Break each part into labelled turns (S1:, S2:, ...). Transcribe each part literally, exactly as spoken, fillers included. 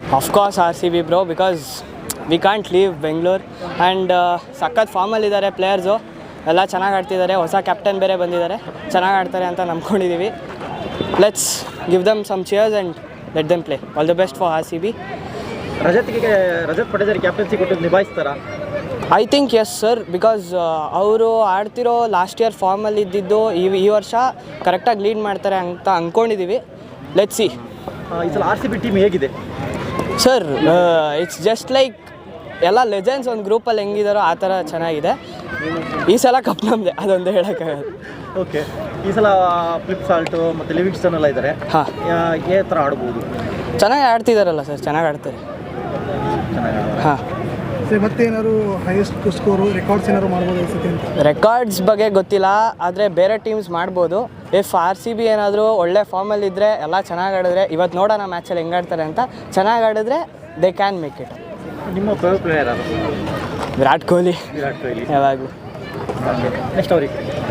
S1: Of course R C B bro, because we can't leave Bengaluru and ಸಖತ್ ಫಾರ್ಮಲ್ಲಿದ್ದಾರೆ players, ಎಲ್ಲ ಚೆನ್ನಾಗಿ ಆಡ್ತಿದ್ದಾರೆ. ಹೊಸ ಕ್ಯಾಪ್ಟನ್ ಬೇರೆ ಬಂದಿದ್ದಾರೆ, ಚೆನ್ನಾಗಿ ಆಡ್ತಾರೆ ಅಂತ ನಂಬ್ಕೊಂಡಿದ್ದೀವಿ. Let's give them some cheers and let them play. All the best for R C B.
S2: ರಜತ್ಗೆ ರಜತ್ ಪಡೆದರೆ ಕ್ಯಾಪ್ಟನ್ಸಿ ಕೊಟ್ಟು ನಿಭಾಯಿಸ್ತಾರಾ?
S1: I think yes sir, because ಅವರು ಆಡ್ತಿರೋ ಲಾಸ್ಟ್ ಇಯರ್ ಫಾರ್ಮಲ್ಲಿ ಇದ್ದಿದ್ದು ಈ ಈ ವರ್ಷ ಕರೆಕ್ಟಾಗಿ ಲೀಡ್ ಮಾಡ್ತಾರೆ ಅಂತ ಅಂದ್ಕೊಂಡಿದ್ದೀವಿ. Let's see.
S2: ಈ ಸಲ ಆರ್ ಸಿ ಬಿ ಟೀಮ್ ಹೇಗಿದೆ
S1: ಸರ್? ಇಟ್ಸ್ ಜಸ್ಟ್ ಲೈಕ್ ಎಲ್ಲ ಲೆಜೆಂಡ್ಸ್ ಒಂದು ಗ್ರೂಪಲ್ಲಿ ಹೆಂಗಿದಾರೋ ಆ ಥರ ಚೆನ್ನಾಗಿದೆ. ಈ ಸಲ ಕಪ್ ನಮ್ಮದೆ, ಅದೊಂದು ಹೇಳೋಕ್ಕಾಗಲ್ಲ.
S2: ಓಕೆ, ಈ ಸಲ ಫ್ಲಿಪ್ ಸಾಲ್ಟು ಮತ್ತು ಲಿವಿಂಗ್ಸ್ಟನ್ ಎಲ್ಲ ಇದ್ದಾರೆ.
S1: ಹಾಂ,
S2: ಯಾವ ಥರ ಆಡ್ಬೋದು?
S1: ಚೆನ್ನಾಗಿ ಆಡ್ತಿದ್ದಾರಲ್ಲ ಸರ್, ಚೆನ್ನಾಗಿ ಆಡ್ತಾರೆ. ಹಾಂ
S3: ಸರ್, ಮತ್ತೇನಾದ್ರು ಹೈಯೆಸ್ಟ್ ಸ್ಕೋರು ರೆಕಾರ್ಡ್ಸ್ ಏನಾದ್ರು ಮಾಡ್ಬೋದು ಅನಿಸುತ್ತೆ ಅಂತ?
S1: ರೆಕಾರ್ಡ್ಸ್ ಬಗ್ಗೆ ಗೊತ್ತಿಲ್ಲ, ಆದರೆ ಬೇರೆ ಟೀಮ್ಸ್ ಮಾಡ್ಬೋದು. ಇಫ್ ಆರ್ ಸಿ ಬಿ ಏನಾದರೂ ಒಳ್ಳೆ ಫಾರ್ಮಲ್ಲಿದ್ದರೆ, ಎಲ್ಲ ಚೆನ್ನಾಗಿ ಆಡಿದ್ರೆ, ಇವತ್ತು ನೋಡೋಣ ಮ್ಯಾಚಲ್ಲಿ ಹೆಂಗೆ ಆಡ್ತಾರೆ ಅಂತ, ಚೆನ್ನಾಗಿ ಆಡಿದ್ರೆ ದೇ ಕ್ಯಾನ್ ಮೇಕ್ ಇಟ್.
S2: ನಿಮ್ಮ ಫೇವ್ರೆಟ್ ಪ್ಲೇಯರ್ ಯಾರು?
S1: ವಿರಾಟ್ ಕೊಹ್ಲಿ.
S2: ವಿರಾಟ್ ಕೊಹ್ಲಿ
S1: ಯಾವಾಗಲೂ.
S2: ನೆಕ್ಸ್ಟ್ ಅವ್ರಿಗೆ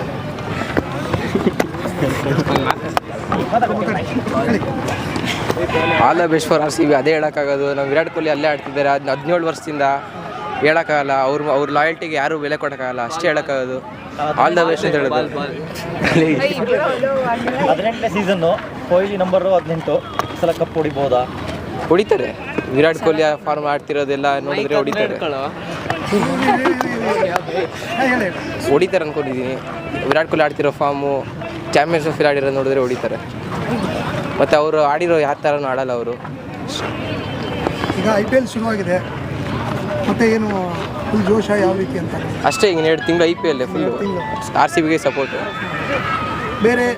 S4: all the best for R C B, ಅದೇ ಹೇಳೋಕ್ಕಾಗೋದು. ನಾವು ವಿರಾಟ್ ಕೊಹ್ಲಿ ಅಲ್ಲೇ ಆಡ್ತಿದ್ದಾರೆ, ಅದು ಹದಿನೇಳು ವರ್ಷದಿಂದ ಹೇಳೋಕ್ಕಾಗಲ್ಲ. ಅವ್ರ ಅವ್ರ ಲಾಯಲ್ಟಿಗೆ ಯಾರೂ ಬೆಲೆ ಕೊಡೋಕ್ಕಾಗಲ್ಲ, ಅಷ್ಟೇ ಹೇಳೋಕ್ಕಾಗೋದು. ಆಲ್ ದ ಬೆಸ್ಟ್ ಅಂತ ಹೇಳೋದು.
S2: ಹದಿನೆಂಟನೇ ಸೀಸನ್ನು, ಕೊಹ್ಲಿ ನಂಬರು ಹದಿನೆಂಟು. ಈ ಸಲ ಕಪ್ ಹೊಡಿಬೋದಾ?
S4: ಹೊಡಿತಾರೆ. ವಿರಾಟ್ ಕೊಹ್ಲಿ ಫಾರ್ಮ್ ಆಡ್ತಿರೋದೆಲ್ಲ ನೋಡಿದ್ರೆ ಹೊಡಿತಾರೆ ಹೊಡಿತಾರೆ ಅಂದ್ಕೊಂಡಿದ್ದೀನಿ. ವಿರಾಟ್ ಕೊಹ್ಲಿ ಆಡ್ತಿರೋ ಫಾರ್ಮು, ಚಾಂಪಿಯನ್ಸ್ ಟ್ರೋಫಿ ಆಡಿರೋದು ನೋಡಿದ್ರೆ ಹೊಡಿತಾರೆ. ಮತ್ತು ಅವರು ಆಡಿರೋ ಯಾವ ಥರನೂ ಆಡಲ್ಲ ಅವರು.
S3: ಈಗ ಐ ಪಿ ಎಲ್ ಶುರುವಾಗಿದೆ, ಮತ್ತೆ ಏನು ಫುಲ್ ಜೋಶ ಯಾವ ರೀತಿ ಅಂತ?
S4: ಅಷ್ಟೇ, ಈಗ ಎರಡು ತಿಂಗಳು I P L full R C ಬಿಗೆ ಸಪೋರ್ಟು.
S3: ಬೇರೆ